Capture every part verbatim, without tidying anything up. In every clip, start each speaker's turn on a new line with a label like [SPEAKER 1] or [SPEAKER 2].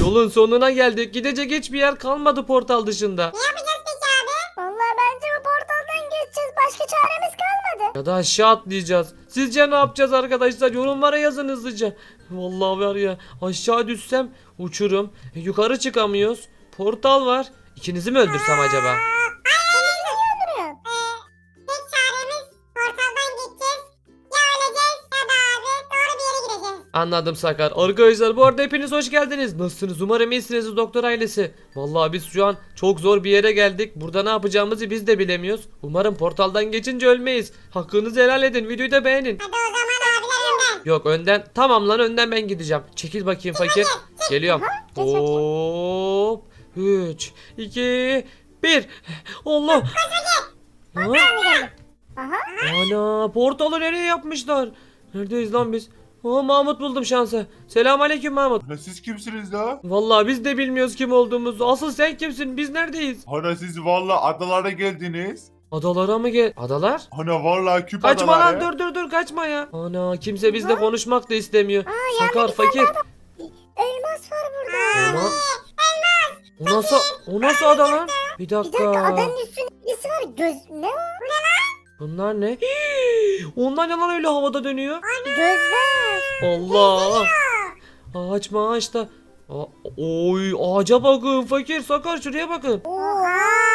[SPEAKER 1] Yolun sonuna geldik. Gidecek hiçbir yer kalmadı portal dışında.
[SPEAKER 2] Ne yapacağız peki abi?
[SPEAKER 3] Vallahi bence bu portaldan geçeceğiz. Başka çaremiz kalmadı.
[SPEAKER 1] Ya da aşağı atlayacağız. Sizce ne yapacağız arkadaşlar? Yorumlara yazın hızlıca. Vallahi var ya, aşağı düşsem uçurum. E, yukarı çıkamıyoruz. Portal var. İkinizi mi öldürsem acaba?
[SPEAKER 3] Kendini niye öldürüyorsun?
[SPEAKER 2] Ee, tek çaremiz portaldan gideceğiz. Ya öleceğiz ya da abi doğru bir yere gideceğiz.
[SPEAKER 1] Anladım Sakar. Arkadaşlar bu arada hepiniz hoş geldiniz. Nasılsınız? Umarım iyisiniz doktor ailesi. Vallahi biz şu an çok zor bir yere geldik. Burada ne yapacağımızı biz de bilemiyoruz. Umarım portaldan geçince ölmeyiz. Hakkınızı helal edin. Videoyu da beğenin.
[SPEAKER 2] Hadi o zaman abiler önden.
[SPEAKER 1] Yok önden. Tamam lan, önden ben gideceğim. Çekil bakayım fakir. Geliyorum. Hop. üç, iki, bir. Allah. Ha?
[SPEAKER 3] Ben geldim. Aha.
[SPEAKER 1] Ana, portalı nereye yapmışlar? Neredeyiz lan biz? Aa, Mahmut buldum şansa. Selamünaleyküm Mahmut.
[SPEAKER 4] Ana siz kimsiniz la?
[SPEAKER 1] Vallahi biz de bilmiyoruz kim olduğumuzu. Asıl sen kimsin? Biz neredeyiz?
[SPEAKER 4] Ana siz valla adalara geldiniz.
[SPEAKER 1] Adalara mı gel? Adalar?
[SPEAKER 4] Ana valla küp
[SPEAKER 1] Kaçma
[SPEAKER 4] adaları.
[SPEAKER 1] lan, dur dur dur, kaçma ya. Ana, kimse bizle konuşmak da istemiyor. Sakar fakir.
[SPEAKER 3] Elmas var burada.
[SPEAKER 1] Ana. O nasıl, o nasıl ada lan? Bir
[SPEAKER 3] Bir dakika
[SPEAKER 1] dakika.
[SPEAKER 3] adanın üstünde birisi var. Göz ne o?
[SPEAKER 1] Bunlar ne? Hii, onlar ne lan öyle havada dönüyor?
[SPEAKER 3] Gözler.
[SPEAKER 1] Allah. Ağaç maaş da. Aa, oy, ağaca bakın fakir, Sakar şuraya bakın.
[SPEAKER 3] Oha.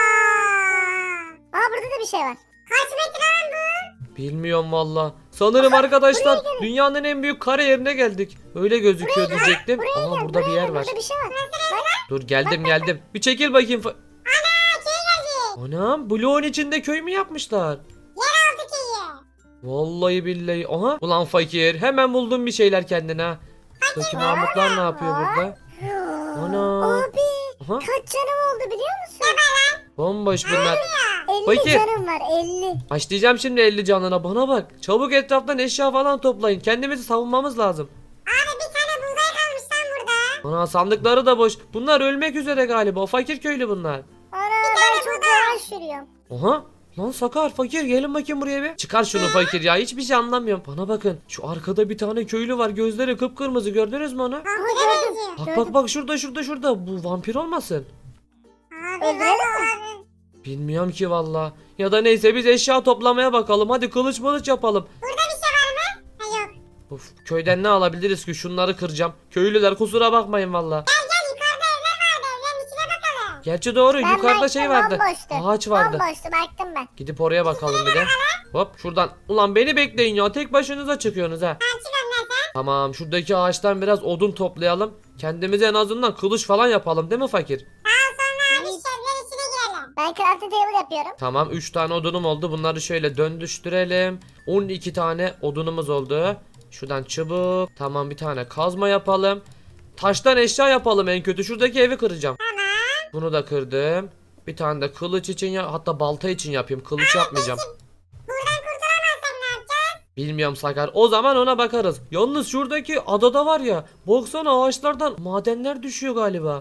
[SPEAKER 3] Aa burada da bir şey var.
[SPEAKER 2] Kaç metre lan bu?
[SPEAKER 1] Bilmiyorum valla. Sanırım arkadaşlar dünyanın en büyük kare yerine geldik. Öyle gözüküyor diyecektim. Aa, burada bir yer var.
[SPEAKER 3] Burada bir şey var.
[SPEAKER 1] Dur geldim geldim. Bir çekil bakayım. fa-
[SPEAKER 2] Ana köy geldi.
[SPEAKER 1] Anam, bloğun içinde köy mü yapmışlar?
[SPEAKER 2] Yeraltı köyü.
[SPEAKER 1] Vallahi billahi. Aha. Ulan fakir, hemen buldun bir şeyler kendine ha. Buradaki Mahmutlar ne yapıyor burada? Ana.
[SPEAKER 3] Abi
[SPEAKER 1] Aha.
[SPEAKER 3] kaç canım oldu biliyor musun?
[SPEAKER 1] Bomboş bunlar.
[SPEAKER 3] elli
[SPEAKER 1] Fakir.
[SPEAKER 3] canım var elli.
[SPEAKER 1] Açlayacağım şimdi elli canına, bana bak. Çabuk etraftan eşya falan toplayın. Kendimizi savunmamız lazım.
[SPEAKER 2] Abi bir tane buğday kalmış lan burada.
[SPEAKER 1] Ana, sandıkları da boş. Bunlar ölmek üzere galiba. Fakir köylü bunlar.
[SPEAKER 3] Ana ben çok yavaş yürüyorum.
[SPEAKER 1] Aha. Lan Sakar fakir, gelin bakayım buraya bir. Çıkar şunu fakir ya, hiçbir şey anlamıyorum. Bana bakın, şu arkada bir tane köylü var, gözleri kıpkırmızı, gördünüz mü onu?
[SPEAKER 3] Aha gördüm.
[SPEAKER 1] Bak
[SPEAKER 3] Gördüm.
[SPEAKER 1] bak bak, şurada şurada şurada, bu vampir olmasın?
[SPEAKER 2] Abi
[SPEAKER 3] Öldürelim mi?
[SPEAKER 2] abi.
[SPEAKER 1] Bilmiyorum ki valla. Ya da neyse, biz eşya toplamaya bakalım. Hadi kılıç mılıç yapalım.
[SPEAKER 2] Burada bir şey var mı? Ha yok.
[SPEAKER 1] Of, köyden ne alabiliriz ki? Şunları kıracağım. Köylüler kusura bakmayın valla.
[SPEAKER 2] Gel gel yukarıda evler vardı, evlerin içine bakalım.
[SPEAKER 1] Gerçi doğru,
[SPEAKER 3] Ben
[SPEAKER 1] yukarıda
[SPEAKER 3] baktım,
[SPEAKER 1] şey vardı.
[SPEAKER 3] bomboştu.
[SPEAKER 1] Ağaç vardı.
[SPEAKER 3] Bomboştu baktım ben.
[SPEAKER 1] Gidip oraya bakalım bir de. Hop şuradan. Ulan beni bekleyin ya, tek başınıza çıkıyorsunuz ha.
[SPEAKER 2] Ben çık önden sen.
[SPEAKER 1] Tamam, şuradaki ağaçtan biraz odun toplayalım. Kendimize en azından kılıç falan yapalım, değil mi fakir?
[SPEAKER 2] Daha sonra abi şu evlerin içine girelim.
[SPEAKER 3] Ben crafting table yapıyorum.
[SPEAKER 1] Tamam, üç tane odunum oldu. Bunları şöyle döndüştürelim. on iki tane odunumuz oldu. Şuradan çubuk. Tamam, bir tane kazma yapalım. Taştan eşya yapalım en kötü. Şuradaki evi kıracağım.
[SPEAKER 2] Tamam.
[SPEAKER 1] Bunu da kırdım. Bir tane de kılıç için ya, hatta balta için yapayım. Kılıç yapmayacağım.
[SPEAKER 2] Buradan kurtulamazsak ne yapacağız?
[SPEAKER 1] Bilmiyorum Sakar. O zaman ona bakarız. Yalnız şuradaki adada var ya, baksana ağaçlardan madenler düşüyor galiba.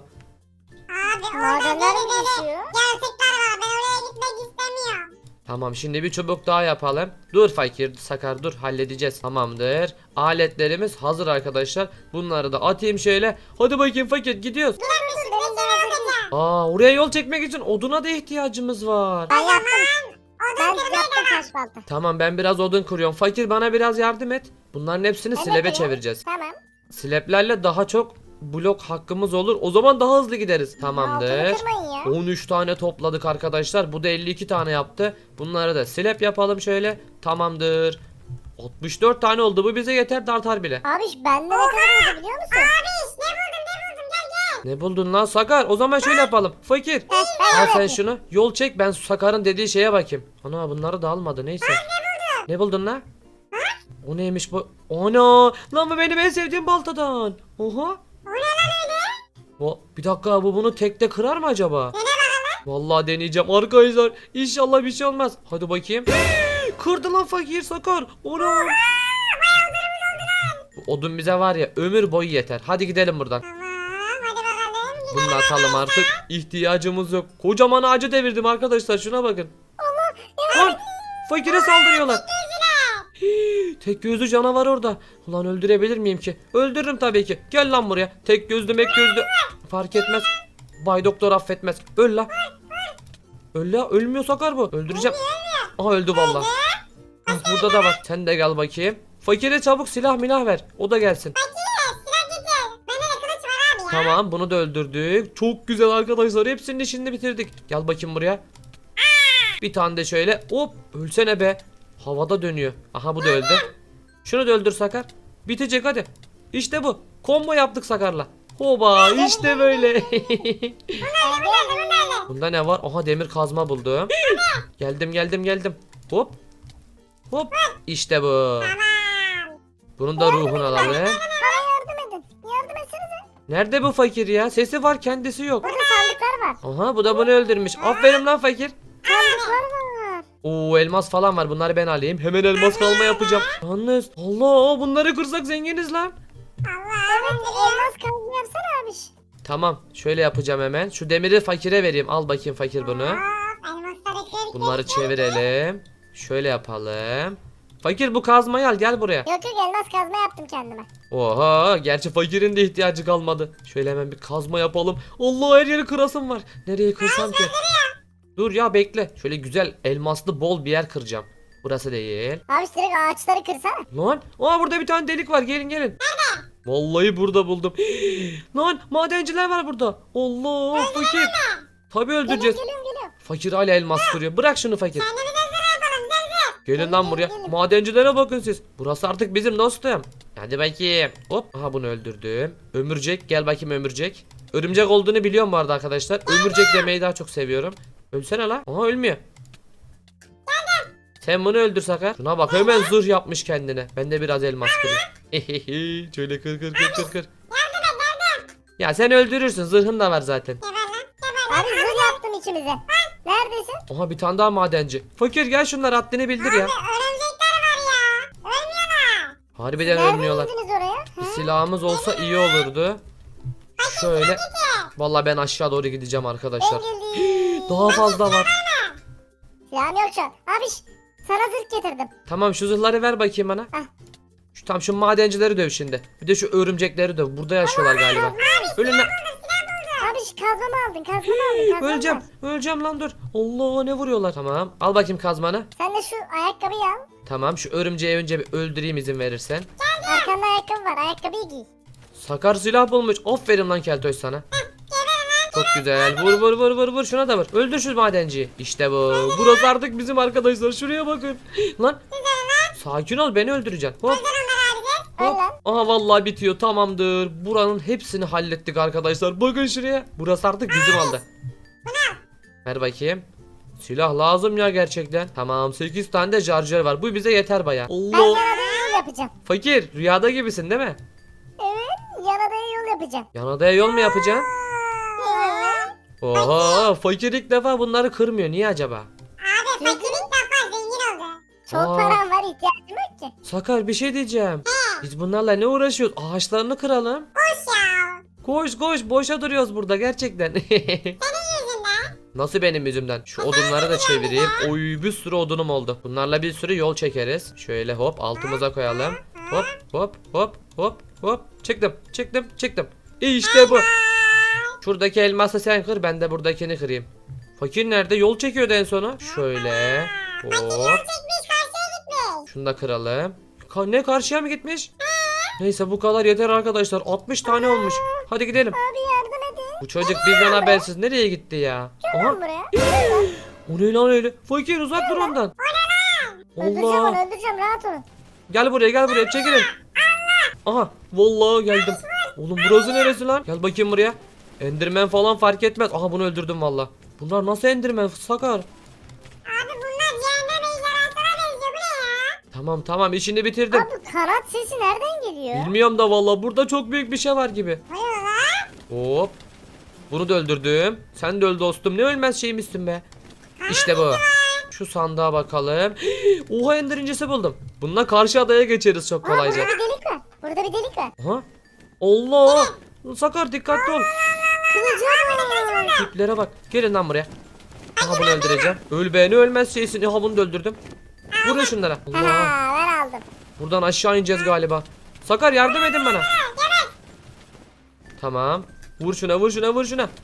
[SPEAKER 2] Abi orada
[SPEAKER 3] Madenler
[SPEAKER 2] deli
[SPEAKER 3] mi
[SPEAKER 2] deli
[SPEAKER 3] düşüyor?
[SPEAKER 2] yaratıklar var. Ben oraya gitmek istemiyorum.
[SPEAKER 1] Tamam, şimdi bir çubuk daha yapalım. Dur fakir, Sakar dur, halledeceğiz. Tamamdır. Aletlerimiz hazır arkadaşlar. Bunları da atayım şöyle. Hadi bakayım fakir, gidiyoruz.
[SPEAKER 2] Dur dur benim de yapacağım.
[SPEAKER 1] Aa, oraya yol çekmek için oduna da ihtiyacımız var.
[SPEAKER 3] Ben yaptım. Ben
[SPEAKER 2] Odun kırmaya
[SPEAKER 3] yaptım
[SPEAKER 2] devam.
[SPEAKER 3] taş balta.
[SPEAKER 1] Tamam, ben biraz odun kırıyorum. Fakir bana biraz yardım et. Bunların hepsini
[SPEAKER 3] Ben de
[SPEAKER 1] slebe
[SPEAKER 3] kırıyorum.
[SPEAKER 1] çevireceğiz.
[SPEAKER 3] Tamam.
[SPEAKER 1] Sleplerle daha çok blok hakkımız olur. O zaman daha hızlı gideriz.
[SPEAKER 3] Altını
[SPEAKER 1] Tamamdır.
[SPEAKER 3] kırmayın ya.
[SPEAKER 1] on üç tane topladık arkadaşlar. Bu da elli iki tane yaptı. Bunları da slap yapalım şöyle. Tamamdır. altmış dört tane oldu. Bu bize yeter, de artar bile.
[SPEAKER 3] Abi bende ne kadar oldu biliyor musun?
[SPEAKER 2] Abi ne buldum ne buldum gel gel.
[SPEAKER 1] Ne buldun lan Sakar? O zaman şöyle yapalım. Fakir.
[SPEAKER 3] Heh, ben
[SPEAKER 1] Al sen
[SPEAKER 3] öğrettim.
[SPEAKER 1] şunu. Yol çek, ben Sakar'ın dediği şeye bakayım. Ana, bunları da almadı, neyse. Ne buldun lan? O neymiş bu? Ana! Lan bu benim en sevdiğim baltadan. Oha.
[SPEAKER 2] O ne lan öyle?
[SPEAKER 1] O, bir dakika, bu bunu tekte kırar mı acaba? Vallahi deneyeceğim arkadaşlar. İnşallah bir şey olmaz. Hadi bakayım. Kırdı lan fakir Sakar. Ona. Bu odun bize var ya, ömür boyu yeter. Hadi gidelim buradan.
[SPEAKER 2] Tamam hadi bakalım.
[SPEAKER 1] Bunu da atalım artık. İhtiyacımız yok. Kocaman ağacı devirdim arkadaşlar. Şuna bakın. Lan fakire saldırıyorlar. Hii, Tek gözlü canavar orada. Ulan öldürebilir miyim ki? Öldürürüm tabii ki. Gel lan buraya. Tek gözlü mek gözlü. Fark etmez. Bay Doktor affetmez. Öl la. Öl la. Ölmüyor Sakar bu. Öldüreceğim. Aha öldü vallahi. Ah, burada da var. Sen de gel bakayım. Fakire çabuk silah milah ver. O da gelsin.
[SPEAKER 2] Silah getir. Bende de kılıç var abi ya.
[SPEAKER 1] Tamam bunu da öldürdük. Çok güzel arkadaşlar. Hepsinin işini bitirdik. Gel bakayım buraya. Bir tane de şöyle. Hop. Ölsene be. Havada dönüyor. Aha bu da öldü. Şunu da öldür Sakar. Bitecek hadi. İşte bu. Combo yaptık Sakar'la. Hoba işte böyle. Bunda ne var? Aha demir kazma buldum. Geldim geldim geldim. Hop. Hop. İşte bu.
[SPEAKER 2] Tamam.
[SPEAKER 1] Bunun da ruhunu alalım.
[SPEAKER 3] Bana yardım edin. Yardım etsenize.
[SPEAKER 1] Nerede bu fakir ya? Sesi var kendisi yok.
[SPEAKER 3] Burada sandıklar var.
[SPEAKER 1] Aha bu da bunu öldürmüş. Aferin lan fakir.
[SPEAKER 3] Sandıklar var.
[SPEAKER 1] Oo elmas falan var. Bunları ben alayım. Hemen elmas kalma yapacağım. Yalnız Allah bunları kırsak zenginiz lan.
[SPEAKER 3] Evet elmas kazma yapsana abiş.
[SPEAKER 1] Tamam şöyle yapacağım hemen. Şu demiri fakire vereyim. Al bakayım fakir bunu.
[SPEAKER 2] Hop, elmasları kır.
[SPEAKER 1] Bunları çevirelim. Şöyle yapalım. Fakir bu kazmayı al gel buraya.
[SPEAKER 3] Yok yok elmas kazma yaptım kendime.
[SPEAKER 1] Oha gerçi fakirin de ihtiyacı kalmadı. Şöyle hemen bir kazma yapalım. Allah her yeri kırasım var. Nereye kırsam ki? Dur ya bekle. Şöyle güzel elmaslı bol bir yer kıracağım. Burası değil.
[SPEAKER 3] Abiş direkt ağaçları kırsana.
[SPEAKER 1] Lan aa burada bir tane delik var gelin gelin. Nerede? Vallahi burada buldum. Lan madenciler var burada. Allah fakir. Tabii
[SPEAKER 3] Geliyorum
[SPEAKER 1] öldüreceğiz.
[SPEAKER 3] geliyorum geliyorum.
[SPEAKER 1] Fakir hala elmas kırıyor. Bırak şunu fakir.
[SPEAKER 2] Kendimize zırh yapalım zırh zırh.
[SPEAKER 1] Gelin lan buraya. Madencilere bakın siz. Burası artık bizim dostum. Hadi bakayım. Hop. Aha bunu öldürdüm. Ömürcek gel bakayım ömürcek. Örümcek olduğunu biliyorum bu arada arkadaşlar. Ömürcek demeyi daha çok seviyorum. Ölsene la. Aha ölmüyor. Sen bunu öldür Sakar. Şuna bak hemen zırh yapmış kendine. Ben de biraz elmas kırayım. Şöyle kır kır kır kır kır. Ya sen öldürürsün. Zırhın da var zaten.
[SPEAKER 2] Geber lan geber lan.
[SPEAKER 3] Abi zırh yaptım ikimize. Neredesin?
[SPEAKER 1] Aha bir tane daha madenci. Fakir gel şunlar haddini bildir ya.
[SPEAKER 2] Örümcekler var ya. Ölmüyorlar.
[SPEAKER 1] Harbiden
[SPEAKER 3] Nereden
[SPEAKER 1] ölmüyorlar.
[SPEAKER 3] indiniz oraya?
[SPEAKER 1] Bir
[SPEAKER 3] Ha?
[SPEAKER 1] silahımız olsa iyi olurdu. Şöyle. Vallahi ben aşağı doğru gideceğim arkadaşlar.
[SPEAKER 3] Ben geldim.
[SPEAKER 1] Daha fazla var.
[SPEAKER 3] Silahım yok şu an. Abiş sana zırh getirdim.
[SPEAKER 1] Tamam şu zırhları ver bakayım bana.
[SPEAKER 3] Heh.
[SPEAKER 1] Şu tam şu madencileri döv şimdi. Bir de şu örümcekleri döv. Burada yaşıyorlar galiba. Ölün lan.
[SPEAKER 3] Abiş kazmamı aldın kazmamı aldın kazmamı
[SPEAKER 1] Öleceğim.
[SPEAKER 3] al.
[SPEAKER 1] Öleceğim lan dur. Allah ne vuruyorlar. Tamam. Al bakayım kazmanı.
[SPEAKER 3] Sen de şu ayakkabıyı al.
[SPEAKER 1] Tamam şu örümceği önce bir öldüreyim izin verirsen.
[SPEAKER 3] Arkanda ayakkabı var ayakkabıyı giy.
[SPEAKER 1] Sakar silah bulmuş. Aferin lan Keltoş sana. Çok güzel. Vur vur vur vur vur. Şuna da vur. Öldür şu madenciyi. İşte bu. Burası artık bizim arkadaşlar. Şuraya bakın. Lan. Sakin ol beni öldüreceksin. Hop.
[SPEAKER 3] Öl
[SPEAKER 1] Hop.
[SPEAKER 3] lan.
[SPEAKER 1] Aha vallahi bitiyor. Tamamdır. Buranın hepsini hallettik arkadaşlar. Bakın şuraya. Burası artık bizim oldu. Ver bakayım. Silah lazım ya gerçekten. Tamam sekiz tane de charger var. Bu bize yeter baya.
[SPEAKER 3] Ben
[SPEAKER 1] Allah.
[SPEAKER 3] yanadaya yol yapacağım.
[SPEAKER 1] Fakir rüyada gibisin değil mi?
[SPEAKER 3] Evet yanadaya yol yapacağım.
[SPEAKER 1] Yan odaya yol mu yapacaksın?
[SPEAKER 3] Evet.
[SPEAKER 1] Oha fakir ilk defa bunları kırmıyor. Niye acaba?
[SPEAKER 2] Abi fakir ilk defa zengin oldu.
[SPEAKER 3] Çok
[SPEAKER 1] Aa.
[SPEAKER 3] param var ihtiyacım yok ki.
[SPEAKER 1] Sakar bir şey diyeceğim. Biz bunlarla ne uğraşıyoruz? Ağaçlarını kıralım.
[SPEAKER 2] Boş ya.
[SPEAKER 1] Koş koş boşa duruyoruz burada gerçekten.
[SPEAKER 2] Yüzünden.
[SPEAKER 1] Nasıl benim yüzümden? Şu odunları da çevireyim. Oy bir sürü odunum oldu. Bunlarla bir sürü yol çekeriz. Şöyle hop altımıza koyalım. Hop hop hop hop hop. Çıktım çıktım çıktım. İşte bu. Şuradaki elması sen kır ben de buradakini kırayım. Fakir nerede? Yol çekiyordu en sonu. Şöyle. Hop.
[SPEAKER 2] Çekmiş karşıya gitmiş.
[SPEAKER 1] Şunu da kıralım. Ka- ne karşıya mı gitmiş? Neyse bu kadar yeter arkadaşlar. altmış tane olmuş. Hadi gidelim.
[SPEAKER 3] Abi yardım edin.
[SPEAKER 1] Bu çocuk bizden habersiz nereye gitti ya? Aha.
[SPEAKER 3] Lan buraya.
[SPEAKER 1] O ne lan öyle? Fakir uzak dur ondan.
[SPEAKER 3] Öldüreceğim
[SPEAKER 1] Allah.
[SPEAKER 3] onu öldüreceğim rahat olun.
[SPEAKER 1] Gel buraya gel buraya çekilin. Aha vallahi geldim. Oğlum burası neresi lan? Gel bakayım buraya. Enderman falan fark etmez. Aha bunu öldürdüm valla. Bunlar nasıl Enderman Sakar?
[SPEAKER 2] Abi bunlar cehennem ejderhasına benziyor. Bu ne ya?
[SPEAKER 1] Tamam tamam işini bitirdim.
[SPEAKER 3] Abi kanat sesi nereden geliyor?
[SPEAKER 1] Bilmiyorum da valla burada çok büyük bir şey var gibi.
[SPEAKER 2] Ne oluyor lan?
[SPEAKER 1] Hop. Bunu da öldürdüm. Sen de öl dostum. Ne ölmez şeymişsin be. İşte bu. Şu sandığa bakalım. Oha ender incisi buldum. Bununla karşı adaya geçeriz çok
[SPEAKER 3] Aa, burada
[SPEAKER 1] kolayca.
[SPEAKER 3] bir delik var. Burada bir delik var.
[SPEAKER 1] Aha. Allah. Sakar dikkatli ol.
[SPEAKER 3] Kılıcım var.
[SPEAKER 1] Tiplere bak. Gelin lan buraya. Aha bunu öldüreceğim. Öl be ne ölmez şeysin. Aha bunu da öldürdüm. Vurun şunlara. Allah.
[SPEAKER 3] Ha ben aldım.
[SPEAKER 1] Buradan aşağı ineceğiz galiba. Sakar yardım edin bana. Tamam. Vur şuna vur şuna vur şuna.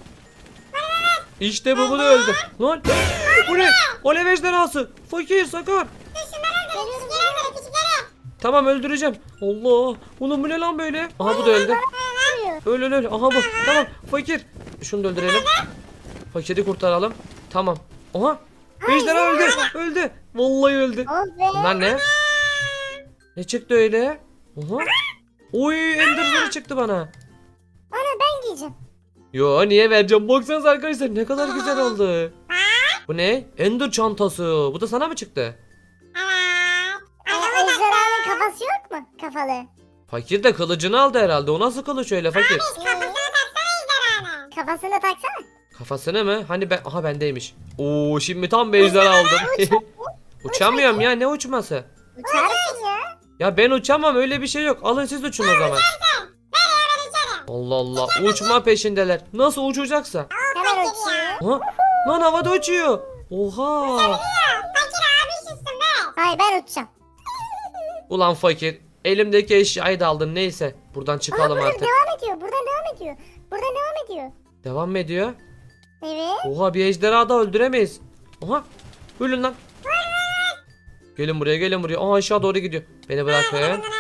[SPEAKER 1] İşte bu bu da öldü. Lan bu ne? Alev ejderhası. Fakir Sakar. Tamam öldüreceğim. Allah. Oğlum bu ne lan böyle? Aha bu da öldü. Öl öl öl. Aha bu. Tamam fakir. Şunu da öldürelim. Fakiri kurtaralım. Tamam. Aha. Ejderha öldü. Öldü. Vallahi öldü.
[SPEAKER 3] Oh be.
[SPEAKER 1] Bunlar ne? Ne çıktı öyle? Aha. Oy enderleri çıktı bana.
[SPEAKER 3] Ana ben giyeceğim.
[SPEAKER 1] Yo niye vereceğim? Baksanıza arkadaşlar ne kadar güzel oldu. Bu ne? Ender çantası. Bu da sana mı çıktı?
[SPEAKER 3] Aa, ejderhanın kafası yok mu? Kafalı.
[SPEAKER 1] Fakir de kılıcını aldı herhalde. O nasıl kılıç öyle fakir?
[SPEAKER 3] Kafasını taksana.
[SPEAKER 1] Kafasını mı? Hani ben... Aha bendeymiş. Oo şimdi tam bir ejderha aldım. Uçamıyorum ya ne uçması?
[SPEAKER 3] Uçarsın ya.
[SPEAKER 1] Ya ben uçamam öyle bir şey yok. Alın siz uçun o zaman. Allah Allah uçma peşindeler. Nasıl uçacaksa?
[SPEAKER 3] Hemen uçuyor.
[SPEAKER 1] Ha? Lan havada uçuyor. Oha.
[SPEAKER 3] Hayır ben uçacağım.
[SPEAKER 1] Ulan fakir. Elimdeki eşyayı da aldın neyse. Buradan
[SPEAKER 3] Aa,
[SPEAKER 1] çıkalım
[SPEAKER 3] buradan
[SPEAKER 1] artık.
[SPEAKER 3] devam ediyor. Buradan devam ediyor. Buradan devam ediyor.
[SPEAKER 1] Devam mı ediyor?
[SPEAKER 3] Evet.
[SPEAKER 1] Oha bir ejderha da öldüremeyiz. Oha. Ölün lan. Gelin buraya gelin buraya. Aa aşağı doğru gidiyor. Beni bırakın.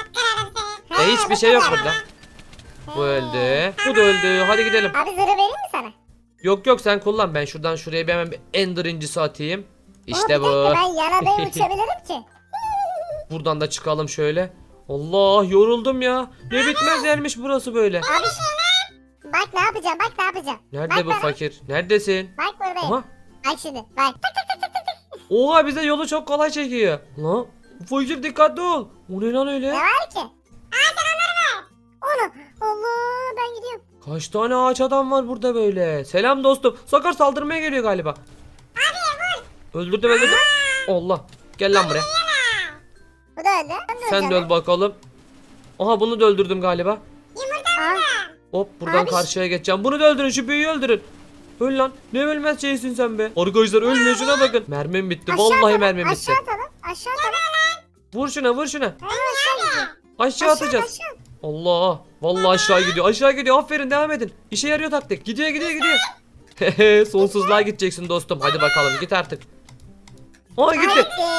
[SPEAKER 1] E hiçbir şey yok burada. Bu öldü. Bu da öldü. Hadi gidelim.
[SPEAKER 3] Abi zırhı vereyim mi sana?
[SPEAKER 1] Yok yok sen kullan. Ben şuradan şuraya bir hemen bir ender incisi atayım. İşte
[SPEAKER 3] Aa, bir
[SPEAKER 1] bu.
[SPEAKER 3] dakika, ben yana da uçabilirim ki.
[SPEAKER 1] Buradan da çıkalım şöyle. Allah yoruldum ya. Ne bitmez yermiş burası böyle.
[SPEAKER 3] Abi bak ne yapacağım bak ne yapacağım.
[SPEAKER 1] Nerede
[SPEAKER 3] bak
[SPEAKER 1] bu
[SPEAKER 3] bana.
[SPEAKER 1] fakir? Neredesin?
[SPEAKER 3] Bak buradayım.
[SPEAKER 1] Aha.
[SPEAKER 3] Bak şimdi bak. Tak tak tak tak tak.
[SPEAKER 1] Oha bize yolu çok kolay çekiyor. Lan fakir dikkatli ol. O ne lan
[SPEAKER 3] Ne
[SPEAKER 1] öyle?
[SPEAKER 3] var ki? Aa sen onları ver. Onu. Allah ben gidiyorum.
[SPEAKER 1] Kaç tane ağaç adam var burada böyle. Selam dostum. Sakar saldırmaya geliyor galiba. Abi vur. Öldürdüm öldürdüm. Allah. Gel lan buraya.
[SPEAKER 3] Bu da öldü. Ben de
[SPEAKER 1] Sen de
[SPEAKER 3] öleceğim.
[SPEAKER 1] öl bakalım. Aha bunu da öldürdüm galiba.
[SPEAKER 3] Aa,
[SPEAKER 1] Hop buradan
[SPEAKER 3] Abi.
[SPEAKER 1] karşıya geçeceğim. Bunu da öldürün şu büyüyü öldürün. Öl lan. Ne ölmez şeysin sen be. Arkadaşlar ölmüyor şuna bakın. Mermim bitti.
[SPEAKER 3] aşağı
[SPEAKER 1] Vallahi
[SPEAKER 3] atalım,
[SPEAKER 1] mermim bitti.
[SPEAKER 3] Aşağı atalım. Aşağı atalım.
[SPEAKER 1] Vur şuna vur şuna.
[SPEAKER 3] Aa, aşağı gidiyor.
[SPEAKER 1] Aşağı atacağız.
[SPEAKER 3] Aşağı.
[SPEAKER 1] Allah. Vallahi aşağı gidiyor. Aşağı gidiyor. Aferin devam edin. İşe yarıyor taktik. Gidiyor gidiyor gidiyor. Sonsuzluğa gideceksin dostum. Hadi bakalım git artık. Aa gitti.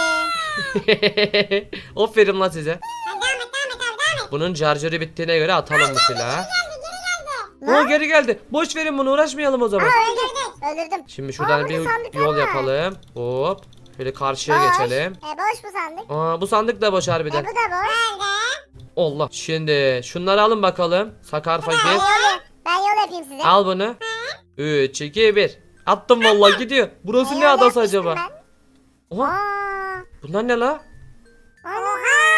[SPEAKER 3] Gitti.
[SPEAKER 1] Aferin lan size. Bunun şarjörü bittiğine göre atalım bu silahı. Aa geri geldi. Boş verin bunu uğraşmayalım o zaman.
[SPEAKER 3] Öldürdüm. Öldürdüm.
[SPEAKER 1] Şimdi şuradan
[SPEAKER 3] Aa,
[SPEAKER 1] bir
[SPEAKER 3] burada sandıklar
[SPEAKER 1] yol
[SPEAKER 3] var.
[SPEAKER 1] yapalım. Hop. Şöyle karşıya
[SPEAKER 3] Boş.
[SPEAKER 1] geçelim.
[SPEAKER 3] E boş bu sandık.
[SPEAKER 1] Aa bu sandık da boş
[SPEAKER 3] E
[SPEAKER 1] harbiden.
[SPEAKER 3] bu da boş.
[SPEAKER 1] Allah. Şimdi şunları alın bakalım. Sakar
[SPEAKER 3] Ben
[SPEAKER 1] fakir.
[SPEAKER 3] yol, yap- ben yol yapayım size.
[SPEAKER 1] Al bunu. üç, iki, bir. Attım vallahi gidiyor. Burası
[SPEAKER 3] Ben
[SPEAKER 1] ne
[SPEAKER 3] yol
[SPEAKER 1] adası
[SPEAKER 3] yapmıştım
[SPEAKER 1] acaba?
[SPEAKER 3] ben.
[SPEAKER 1] Oha.
[SPEAKER 3] Aa,
[SPEAKER 1] Bunlar ne la?
[SPEAKER 3] ana.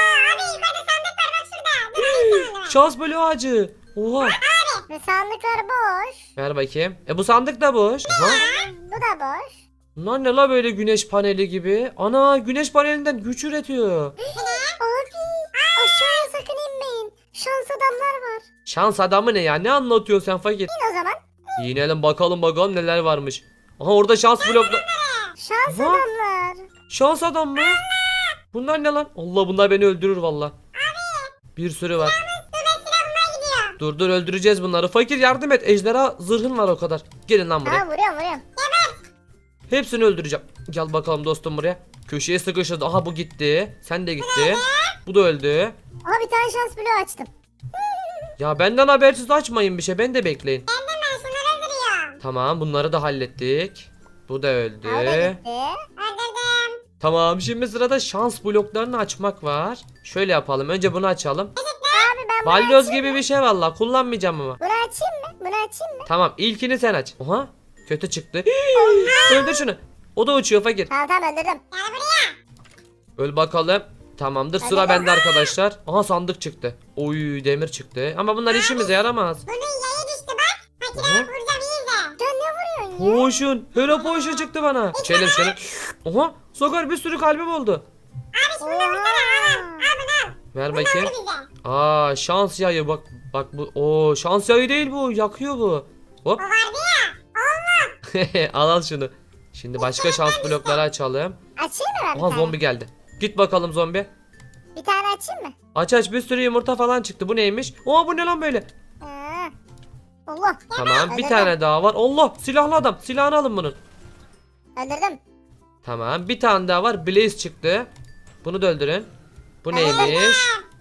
[SPEAKER 1] Şans bölü ağacı. Oha.
[SPEAKER 3] Ve sandıklar boş.
[SPEAKER 1] Ver bakayım. E bu sandık da boş. Aha.
[SPEAKER 3] Bu da boş.
[SPEAKER 1] Bunlar ne la böyle güneş paneli gibi? Ana güneş panelinden güç üretiyor.
[SPEAKER 3] Abi aşağıya sakın inmeyin. Şans adamlar var.
[SPEAKER 1] Şans adamı ne ya? Ne anlatıyorsun sen fakir?
[SPEAKER 3] İn o zaman.
[SPEAKER 1] Yinelim bakalım bakalım neler varmış. Aha orada şans blokla...
[SPEAKER 3] Şans
[SPEAKER 1] Aha.
[SPEAKER 3] adamlar.
[SPEAKER 1] Şans adam mı? Bunlar ne lan? Allah bunlar beni öldürür valla. Bir sürü var. Dur dur öldüreceğiz bunları. Fakir yardım et. Ejderha zırhın var o kadar. Gelin lan buraya.
[SPEAKER 3] Aa vuruyorum vuruyorum.
[SPEAKER 1] Hepsini öldüreceğim. Gel bakalım dostum buraya. Köşeye sıkıştı. Aha bu gitti. Sen de gitti. Bu da öldü.
[SPEAKER 3] Aha bir tane şans bloğu açtım.
[SPEAKER 1] Ya benden habersiz açmayın bir şey. Ben de bekleyin. Tamam bunları da hallettik. Bu da öldü.
[SPEAKER 3] Aa, o da gitti.
[SPEAKER 1] Tamam şimdi sırada şans bloklarını açmak var. Şöyle yapalım. Önce bunu açalım.
[SPEAKER 3] Abi ben bunu
[SPEAKER 1] Balyoz
[SPEAKER 3] açayım.
[SPEAKER 1] gibi bir şey valla. Kullanmayacağım ama.
[SPEAKER 3] Bunu açayım mı? Bunu açayım mı?
[SPEAKER 1] Tamam ilkini sen aç. Oha kötü çıktı. Öldür şunu. O da uçuyor fakir.
[SPEAKER 3] Tamam tamam öldürdüm.
[SPEAKER 1] Öl bakalım. Tamamdır sıra
[SPEAKER 3] Hadi
[SPEAKER 1] bende arkadaşlar. Aha sandık çıktı. Oy demir çıktı. Ama bunlar işimize yaramaz. Aha.
[SPEAKER 3] Sen ne vuruyorsun ya?
[SPEAKER 1] Potion. Hero potion çıktı bana. İçelim şunu. Oha Sakar bir sürü kalbim oldu.
[SPEAKER 3] Oha.
[SPEAKER 1] Ver bakayım. Aa şans yayı bak. Bak bu. Oo şans yayı değil bu. Yakıyor bu. Hop. al al şunu. Şimdi başka şans blokları açalım.
[SPEAKER 3] Açayım mı ben bir
[SPEAKER 1] Aha
[SPEAKER 3] tane?
[SPEAKER 1] zombi geldi. Git bakalım zombi.
[SPEAKER 3] Bir tane açayım mı?
[SPEAKER 1] Aç aç, bir sürü yumurta falan çıktı. Bu neymiş? Oha, bu ne lan böyle?
[SPEAKER 3] Ha. Allah.
[SPEAKER 1] Tamam, bir
[SPEAKER 3] Öldürdüm.
[SPEAKER 1] tane daha var. Allah, silahlı adam. Silahını alın bunun.
[SPEAKER 3] Öldürdüm.
[SPEAKER 1] Tamam, bir tane daha var. Blaze çıktı. Bunu da öldürün. Bu neymiş?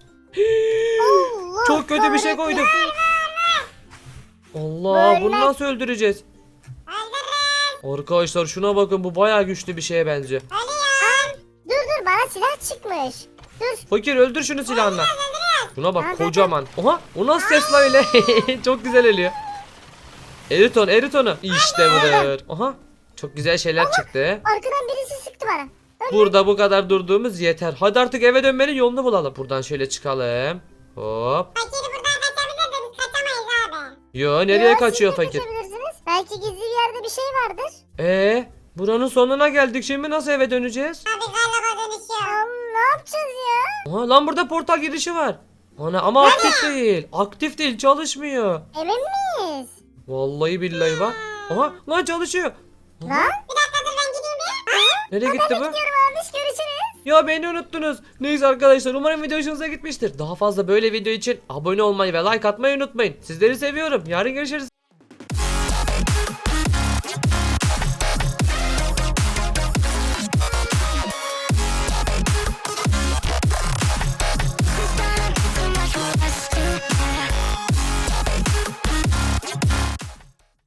[SPEAKER 3] Allah
[SPEAKER 1] Çok kötü bir şey
[SPEAKER 3] kahretsin.
[SPEAKER 1] koydum. Allah, bunu
[SPEAKER 3] Böyle.
[SPEAKER 1] nasıl öldüreceğiz? Arkadaşlar şuna bakın, bu bayağı güçlü bir şeye benziyor.
[SPEAKER 3] Dur dur bana silah çıkmış. Dur.
[SPEAKER 1] Fakir, öldür şunu silahla. Şuna bak,
[SPEAKER 3] Nerede?
[SPEAKER 1] kocaman. Oha, o nasıl ses lan öyle? Çok güzel ölüyor. Erit onu, erit onu. İşte budur. Oha, çok güzel şeyler çıktı.
[SPEAKER 3] Arkadan birisi sıktı bana.
[SPEAKER 1] Burada bu kadar durduğumuz yeter. Hadi artık eve dönmenin yolunu bulalım. Buradan şöyle çıkalım. Hop.
[SPEAKER 2] Fakiri buradan kaçabilir de biz kaçamayız abi.
[SPEAKER 1] Yo, nereye
[SPEAKER 3] Yo,
[SPEAKER 1] kaçıyor
[SPEAKER 3] siz de
[SPEAKER 1] fakir?
[SPEAKER 3] kaçabilirsiniz. Belki gizli bir yerde bir şey vardır.
[SPEAKER 1] Ee, buranın sonuna geldik. Şimdi nasıl eve döneceğiz?
[SPEAKER 2] Abi galiba dönüşüyor.
[SPEAKER 3] Allah'ım ne yapacağız ya?
[SPEAKER 1] Aha, lan burada portal girişi var. Ana, ama aktif değil. Aktif değil, çalışmıyor.
[SPEAKER 3] Emin miyiz?
[SPEAKER 1] Vallahi billahi bak. Aha, lan çalışıyor. Aha,
[SPEAKER 3] Lan?
[SPEAKER 2] Bir dakika dur ben gideyim bir.
[SPEAKER 1] nereye gitti bu?
[SPEAKER 3] Gidiyorum abi görüşürüz.
[SPEAKER 1] Ya beni unuttunuz. Neyse arkadaşlar, umarım video hoşunuza gitmiştir. Daha fazla böyle video için abone olmayı ve like atmayı unutmayın. Sizleri seviyorum. Yarın görüşürüz.